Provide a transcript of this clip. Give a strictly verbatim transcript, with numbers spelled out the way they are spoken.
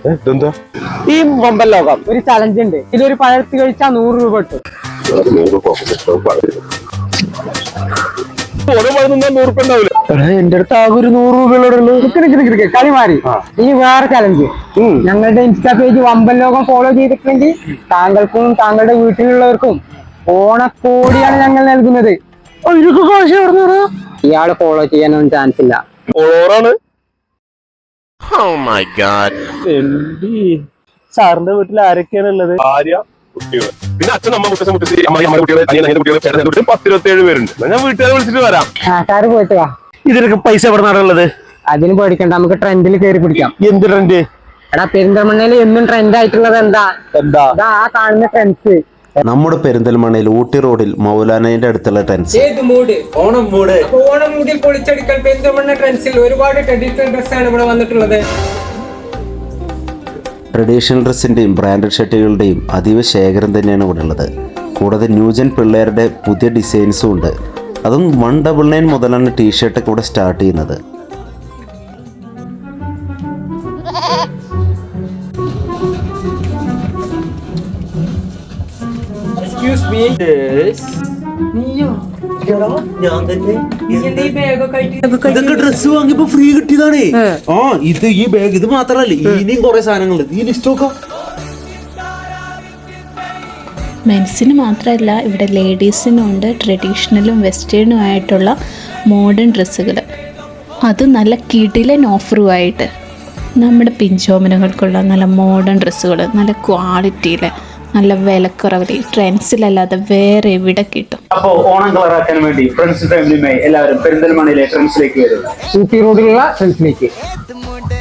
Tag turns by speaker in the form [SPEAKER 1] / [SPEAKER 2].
[SPEAKER 1] ഇതെന്താ?
[SPEAKER 2] ഈ വമ്പൻ ലോകം ഒരു ചലഞ്ച് ഉണ്ട്. ഇതൊരു പഴത്ത് കഴിച്ചാൽ നൂറ് രൂപ കിട്ടും. എന്റെ അടുത്ത് ആകെ ഒരു നൂറ് രൂപയുള്ള കളി മാറി. ഈ വേറെ ചലഞ്ച്, ഞങ്ങളുടെ ഇൻസ്റ്റാ പേജ് വമ്പൻ ലോകം ഫോളോ ചെയ്തിട്ടുണ്ടെങ്കിൽ താങ്കൾക്കും താങ്കളുടെ വീട്ടിലുള്ളവർക്കും ഓണക്കോടിയാണ് ഞങ്ങൾ നൽകുന്നത്. ഇയാള് ഫോളോ ചെയ്യാനൊന്നും ചാൻസ് ഇല്ല.
[SPEAKER 3] സാറിന്റെ വീട്ടിൽ ആരൊക്കെയാണ് ഉള്ളത്?
[SPEAKER 1] ഭാര്യ, കുട്ടികൾ, പിന്നെ അച്ഛൻ, അമ്മ, മുത്തച്ഛൻ, മുത്തശ്ശി, അമ്മ, അമ്മ കുട്ടികൾ, അനിയൻ, അനിയന്റെ കുട്ടികൾ, ചേട്ടൻ കുട്ടികൾ, പത്തിരുപത്തേഴ് പേരുണ്ട്. ഞാൻ വീട്ടുകാരെ വിളിച്ചിട്ട് വരാം.
[SPEAKER 2] ആ സാറ് പോയിട്ട് വാ.
[SPEAKER 3] ഇതിനൊക്കെ പൈസ എവിടെ നിന്നാണുള്ളത്?
[SPEAKER 2] അതിന് പേടിക്കണ്ട, നമുക്ക് ട്രെൻഡിൽ കയറി പിടിക്കാം.
[SPEAKER 3] എന്ത് ട്രെൻഡ്?
[SPEAKER 2] എടാ പെരിന്തൽമണ്ണയിൽ എന്നും ട്രെൻഡ് ആയിട്ടുള്ളത് എന്താ?
[SPEAKER 3] എന്താ
[SPEAKER 2] ആ കാണുന്ന ട്രെൻഡ്സ്.
[SPEAKER 4] നമ്മുടെ പെരിന്തൽമണ്ണയിൽ ഊട്ടി റോഡിൽ മൗലാനയുടെ അടുത്തുള്ള ട്രെൻഡ്സ്.
[SPEAKER 2] ഓണം മൂഡ് ഓണം മൂഡിൽ പൊളിച്ചെടുക്കൽ പെരിന്തൽമണ്ണ ട്രെൻഡ്സിൽ ഒരുപാട് ട്രഡീഷണൽ ഡ്രസ്സാണ് ഇവിടെ വന്നിട്ടുള്ളത്.
[SPEAKER 4] ട്രഡീഷണൽ ഡ്രസ്സിൻ്റെയും ബ്രാൻഡഡ് ഷർട്ടുകളുടെയും അതീവ ശേഖരം തന്നെയാണ് ഇവിടെ ഉള്ളത്. കൂടാതെ ന്യൂജൻ പിള്ളേരുടെ പുതിയ ഡിസൈൻസും ഉണ്ട്. അതും വൺ ഡബിൾ നയൻ മുതലാണ് ടീഷർട്ടൊക്കെ ഇവിടെ സ്റ്റാർട്ട് ചെയ്യുന്നത്.
[SPEAKER 5] ഡ്രസ് വാങ്ങിയപ്പോ ഫ്രീ കിട്ടിയതാണ്. ആ ഇത് ഈ ബാഗ് ഇത് മാത്രല്ല, ഇനിയും കുറെ സാധനങ്ങളുണ്ട്. ഈ ലിസ്റ്റ് നോക്കാം.
[SPEAKER 6] മെൻസിന് മാത്രമല്ല, ഇവിടെ ലേഡീസിനും ഉണ്ട് ട്രഡീഷണലും വെസ്റ്റേണും ആയിട്ടുള്ള മോഡേൺ ഡ്രസ്സുകൾ. അത് നല്ല കിടിലൻ ഓഫറുമായിട്ട് നമ്മുടെ പിഞ്ചോമനകൾക്കുള്ള നല്ല മോഡേൺ ഡ്രസ്സുകൾ നല്ല ക്വാളിറ്റിയിൽ നല്ല വിലക്കുറവിൽ ട്രെൻഡ്സിലല്ലാതെ വേറെ എവിടെ കിട്ടും.
[SPEAKER 3] അപ്പോ ഓണം കളറാക്കാൻ വേണ്ടി ഫ്രണ്ട്സ് ഫാമിലിയുമായി എല്ലാവരും പെരിന്തൽമണ്ണയിലെ ട്രെൻഡ്സിലേക്ക് വരും.
[SPEAKER 2] ഊട്ടി റോഡിലുള്ള ട്രെൻഡ്സിലേക്ക്